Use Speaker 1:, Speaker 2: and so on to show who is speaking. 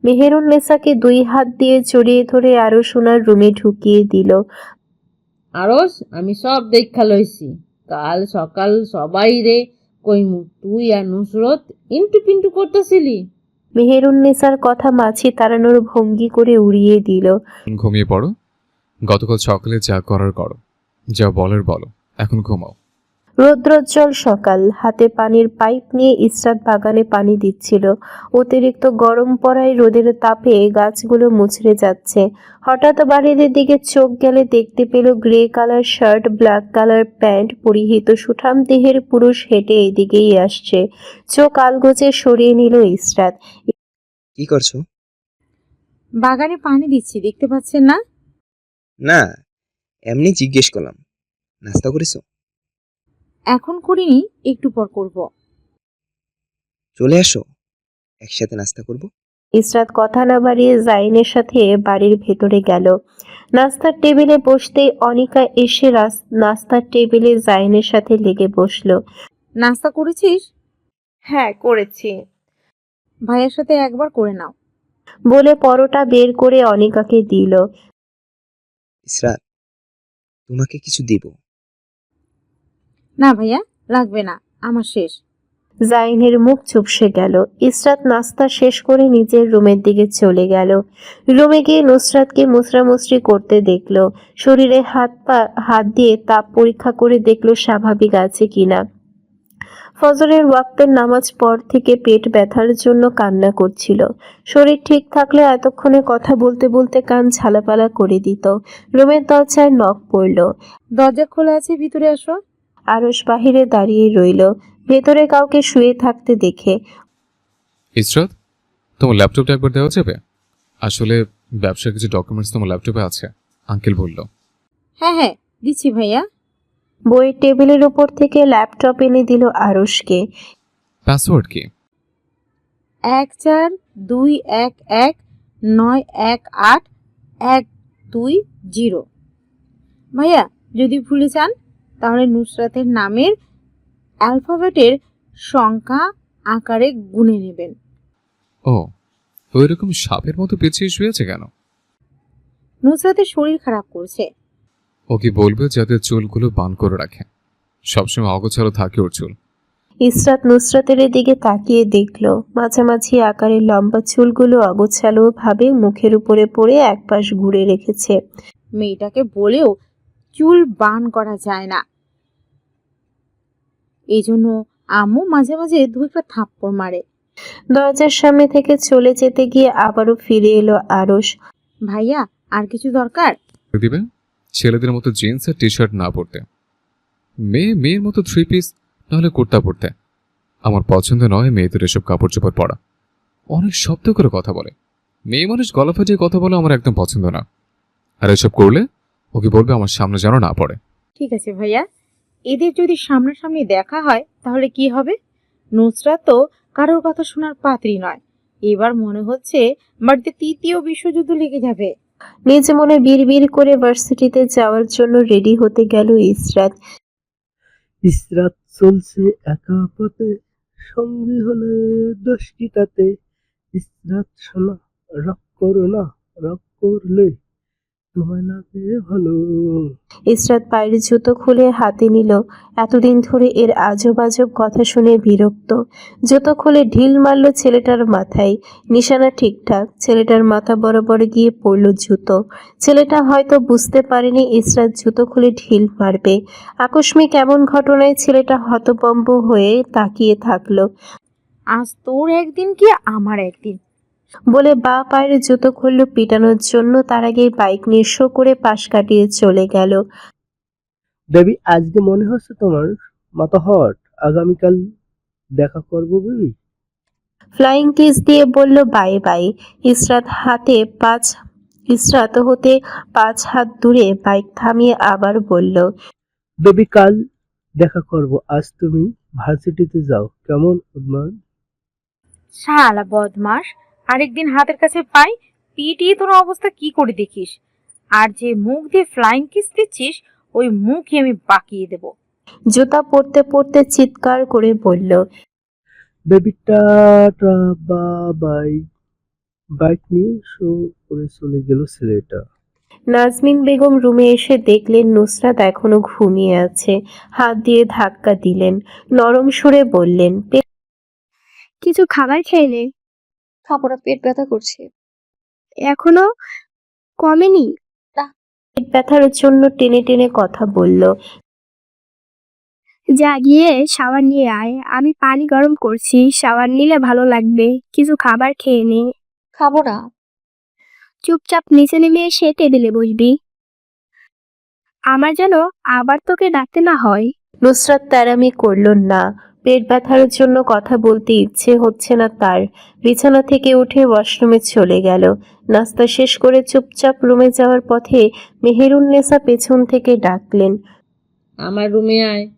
Speaker 1: মেহেরুন্নেসাকে 2 হাত দিয়ে জড়িয়ে ধরে আরো সোনার রুমে ঢুকিয়ে দিল।
Speaker 2: আরস, আমি সব দেখা লইছি। কাল সকাল সবাই রে কইমু তুই আর নুসরত ইন্টু পিন্টু করতেছিলি।
Speaker 1: মেহেরুন্নেসার কথা মাছি তাড়ানোর ভঙ্গি করে উড়িয়ে দিল।
Speaker 3: ঘুমিয়ে পড়ো। গতকাল সকালে যা করার করো, যা বলার বলো, এখন ঘুমাও।
Speaker 1: রৌদ্রোজ্জ্বল সকাল, হাতে পানির পাইপ নিয়ে ইসরাত বাগানে পানি দিচ্ছিল। অতিরিক্ত গরম পড়ায় রোদের তাপে গাছগুলো মুচড়ে যাচ্ছে। হঠাৎ বাড়ির দিকে চোখ গেলে দেখতে পেল grey colour shirt, black colour pant পরিহিত সুঠাম দেহের পুরুষ হেঁটে এদিকেই আসছে। চোখ আলগোচে সরিয়ে নিল ইসরাত।
Speaker 4: কি করছো?
Speaker 5: বাগানে পানি দিচ্ছি, দেখতে পাচ্ছেন না?
Speaker 4: না, এমনি জিজ্ঞেস করলাম। নাস্তা করেছো?
Speaker 5: এখন করিনি, একটু পর করব।
Speaker 4: চলে আসো, একসাথে নাস্তা করব।
Speaker 1: ইসরাত কথা না বাড়িয়ে জাইনের সাথে বাড়ির ভেতরে গেল। নাস্তার টেবিলে বসতেই অনিকা এসে নাস্তার টেবিলে জাইনের সাথে লেগে বসলো।
Speaker 5: নাস্তা করেছিস?
Speaker 6: হ্যাঁ করেছি।
Speaker 5: ভাইয়ের সাথে একবার করে নাও।
Speaker 1: বলে পরোটা বের করে অনিকাকে দিল।
Speaker 4: ইসরাত, তোমাকে কিছু দিব।
Speaker 5: না ভাইয়া, লাগবে না, আমার শেষ।
Speaker 1: জাইনের মুখ চুপসে গেল। ইসরাত নাস্তা শেষ করে নিজের রুমের দিকে চলে গেল। রুমে গিয়ে নুসরাতকে মুসরামুসরি করতে দেখলো। শরীরে হাত দিয়ে তাপ পরীক্ষা করে দেখলো স্বাভাবিক আছে কিনা। ফজরের ওয়াক্তের নামাজ পর থেকে পেট ব্যথার জন্য কান্না করছিল। শরীর ঠিক থাকলে এতক্ষণে কথা বলতে বলতে কান ঝালাপালা করে দিত। রুমের দরজায় নক পড়ল।
Speaker 5: দরজা খোলা আছে, ভিতরে আসো।
Speaker 1: আরশ বাহিরে দাঁড়িয়ে রইল, ভেতরে কাউকে শুয়ে থাকতে দেখে।
Speaker 3: ইসরাত, তোমার ল্যাপটপটা একবার দেওয়া যাবে? আসলে ব্যবসার কিছু ডকুমেন্টস তোমার ল্যাপটপে আছে, আঙ্কেল বলল।
Speaker 5: হ্যাঁ হ্যাঁ, দিচ্ছি ভাইয়া।
Speaker 1: বইয়ের টেবিলের উপর থেকে ল্যাপটপ এনে দিল আরশকে।
Speaker 3: পাসওয়ার্ড কি?
Speaker 5: 1421191812 ভাইয়া, যদি ভুলে যান তাহলে নুসরাতের নামের অ্যালফাবেটের সংখ্যা আকারে গুনে নেবেন।
Speaker 3: ও, ওইরকম সাপের মতো পেঁচিয়ে শুয়েছে কেন?
Speaker 5: নুসরাতের শরীর খারাপ করছে।
Speaker 3: ও কি বলবে যাতে চুলগুলো বান করে রাখে? সবসময় অগোছালো থাকে ওর চুল।
Speaker 1: ইসরাত নুসরাতের দিকে তাকিয়ে দেখলো মাঝামাঝি আকারের লম্বা চুলগুলো অগোছালো ভাবে মুখের উপরে পড়ে একপাশ ঘুরে রেখেছে।
Speaker 5: মেয়েটাকে বলেও চুল বান করা যায় না, এই জন্য আম্মু মাঝে মাঝে দু একটা থাপ্পড় মারে।
Speaker 1: দরজার সামনে থেকে চলে যেতে গিয়ে আবারও ফিরে এলো আরশ।
Speaker 5: ভাইয়া, আর কিছু দরকার?
Speaker 3: দিবে ছেলেদের মতো জিন্স আর টি শার্ট না পরতে, মেয়ের মতো 3 পিস নাহলে কুর্তা পরতে। আমার পছন্দ নয় মেয়েদের এসব কাপড় চোপড় পরা। অনেক শব্দ করে কথা বলে, মেয়ে মানুষ গলা ফাটিয়ে কথা বলে আমার একদম পছন্দ না। আর এসব করলে ওকে বলবে আমার সামনে যেন না পড়ে।
Speaker 5: ঠিক আছে ভাইয়া, এদের যদি সামনাসামনি দেখা হয় তাহলে কি হবে? নুসরাত তো কারোর কথা শোনার পাত্রী নয়। এবার মনে হচ্ছে বাড়িতে 3য় বিশ্বযুদ্ধ লেগে যাবে।
Speaker 1: নিজে মনে বিড়বিড় করে ভার্সিটিতে যাওয়ার জন্য রেডি হতে গেল ইসরাত।
Speaker 7: ইসরাত চলছে একা পথে, সঙ্গী হলে দোষ কি তাতে? ইসরাত শোনা, রাগ করো না, রাগ করলে তোমায় লাগে ভালো।
Speaker 1: ইসরাত পায়ের জুতো খুলে হাতে নিল। এতদিন ধরে এর আজব আজব কথা শুনে বিরক্ত। জুতো খুলে ঢিল মারল ছেলেটার মাথায়। নিশানা ঠিকঠাক, ছেলেটার মাথা বরাবর গিয়ে পড়ল জুতো। ছেলেটা হয়তো বুঝতে পারেনি ইসরাত জুতো খুলে ঢিল মারবে। আকস্মিক এমন ঘটনায় ছেলেটা হতভম্ব হয়ে তাকিয়ে থাকলো।
Speaker 5: আজ তোর একদিন কি আমার একদিন।
Speaker 1: বলে বাঁ পায়ের জুতো খুলল পিটানোর জন্য, তার আগেই বাইক নিয়ে শো করে পাশ কাটিয়ে চলে গেল।
Speaker 7: বেবি, আজকে মনে হচ্ছে তোমার মাথা হট। আগামীকাল দেখা করবো বেবি।
Speaker 1: ফ্লাইং কিস দিয়ে বলল বাই বাই। ইসরাত হতে 5 হাত দূরে বাইক থামিয়ে আবার বলল,
Speaker 7: বেবি, কাল দেখা করব। আজ তুমি ভার্সিটিতে যাও, কেমন উদ্মান?
Speaker 5: শালা বদমাস, আরেকদিন হাতের কাছে পাই পিটিয়ে তোর অবস্থা কি করে দেখিস। আর যে মুখ দিয়ে ফ্লাইং কিস দিচ্ছিস ওই মুখই আমি বাকিয়ে দেব।
Speaker 1: জুতা পরতে পরতে চিৎকার করে বলল,
Speaker 7: বেবি টাটা, বাই। বাইক নিয়ে শো করে চলে গেল ছেলেটা।
Speaker 1: নাজমিন বেগম রুমে এসে দেখলেন নুসরাত এখনো ঘুমিয়ে আছে। হাত দিয়ে ধাক্কা দিলেন, নরম সুরে বললেন,
Speaker 8: কিছু খাবার খেয়ে নে।
Speaker 9: খাবো না, পেট ব্যথা করছে।
Speaker 8: এখনো কমেনি?
Speaker 1: পেট ব্যথার জন্য টেনে টেনে কথা বলল।
Speaker 8: যা গিয়ে শাওয়ার নিয়ে আয়, আমি পানি গরম করছি, শাওয়ার নিলে ভালো লাগবে। কিছু খাবার খেয়ে নে।
Speaker 9: খাবো না।
Speaker 8: চুপচাপ নিচে নেমে এসে টেবিলে বসবি, আমার যেন আবার তোকে ডাকতে না হয়।
Speaker 1: নুসরাত তেরামি করল না। পেট ব্যথার জন্য কথা বলতে ইচ্ছে হচ্ছে না তার। বিছানা থেকে উঠে ওয়াশরুমে চলে গেল। নাস্তা শেষ করে চুপচাপ রুমে যাওয়ার পথে মেহেরুন্নেসা পেছন থেকে ডাকলেন,
Speaker 2: আমার রুমে আয়।